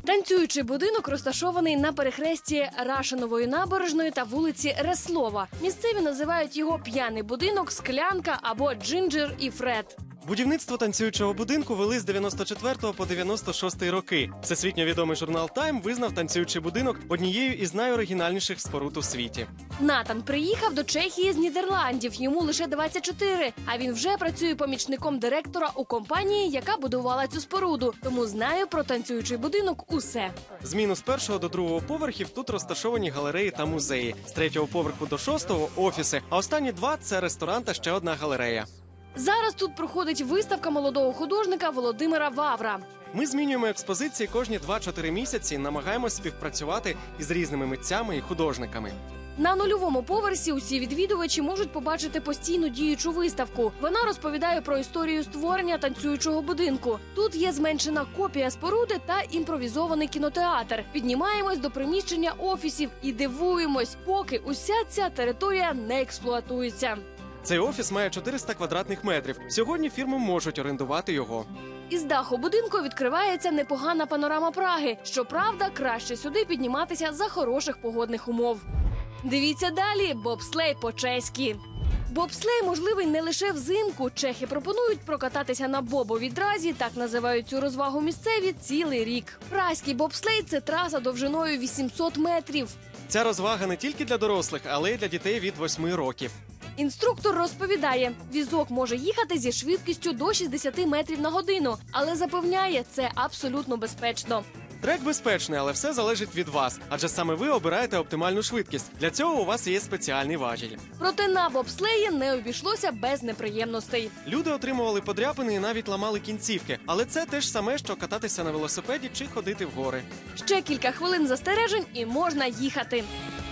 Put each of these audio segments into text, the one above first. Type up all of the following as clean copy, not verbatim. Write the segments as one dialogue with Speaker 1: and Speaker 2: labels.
Speaker 1: Танцюючий будинок розташований на перехресті Рашинової набережної та вулиці Реслова. Місцеві називають його «П'яний будинок», «Склянка» або «Джинджер і Фред».
Speaker 2: Будівництво танцюючого будинку вели з 94 по 96 роки. Всесвітньо відомий журнал «Тайм» визнав танцюючий будинок однією із найоригінальніших споруд у світі.
Speaker 1: Натан приїхав до Чехії з Нідерландів, йому лише 24, а він вже працює помічником директора у компанії, яка будувала цю споруду, тому знає про танцюючий будинок усе.
Speaker 2: З мінус 1 до 2 поверхів тут розташовані галереї та музеї. З 3 поверху до 6 – офіси, а останні 2 – це ресторан та ще одна галерея.
Speaker 1: Зараз тут проходить виставка молодого художника Володимира Вавра.
Speaker 2: Ми змінюємо експозиції кожні 2-4 місяці, намагаємось співпрацювати із різними митцями і художниками.
Speaker 1: На нульовому поверсі усі відвідувачі можуть побачити постійну діючу виставку. Вона розповідає про історію створення танцюючого будинку. Тут є зменшена копія споруди та імпровізований кінотеатр. Піднімаємось до приміщення офісів і дивуємось, поки уся ця територія не експлуатується.
Speaker 2: Цей офіс має 400 квадратних метрів. Сьогодні фірми можуть орендувати його.
Speaker 1: Із даху будинку відкривається непогана панорама Праги. Щоправда, краще сюди підніматися за хороших погодних умов. Дивіться далі – бобслей по-чеськи. Бобслей можливий не лише взимку. Чехи пропонують прокататися на бобовідразі, так називають цю розвагу місцеві, цілий рік. Празький бобслей – це траса довжиною 800 метрів.
Speaker 2: Ця розвага не тільки для дорослих, але й для дітей від 8 років.
Speaker 1: Інструктор розповідає, візок може їхати зі швидкістю до 60 метрів на годину, але запевняє, це абсолютно безпечно.
Speaker 2: Трек безпечний, але все залежить від вас, адже саме ви обираєте оптимальну швидкість. Для цього у вас є спеціальний важіль.
Speaker 1: Проте на бобслеї не обійшлося без неприємностей.
Speaker 2: Люди отримували подряпини і навіть ламали кінцівки. Але це те ж саме, що кататися на велосипеді чи ходити в гори.
Speaker 1: Ще кілька хвилин застережень і можна їхати.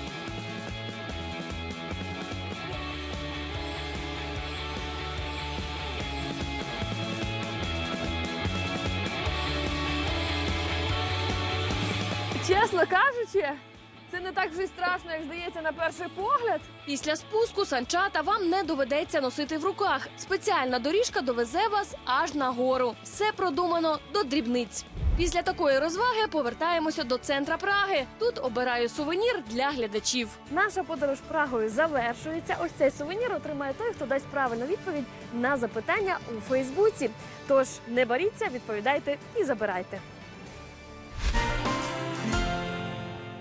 Speaker 3: Чесно кажучи, це не так вже й страшно, як здається на перший погляд.
Speaker 1: Після спуску санчата вам не доведеться носити в руках. Спеціальна доріжка довезе вас аж на гору. Все продумано до дрібниць. Після такої розваги повертаємося до центра Праги. Тут обираю сувенір для глядачів.
Speaker 3: Наша подорож Прагою завершується. Ось цей сувенір отримає той, хто дасть правильну відповідь на запитання у Фейсбуці. Тож не боріться, відповідайте і забирайте.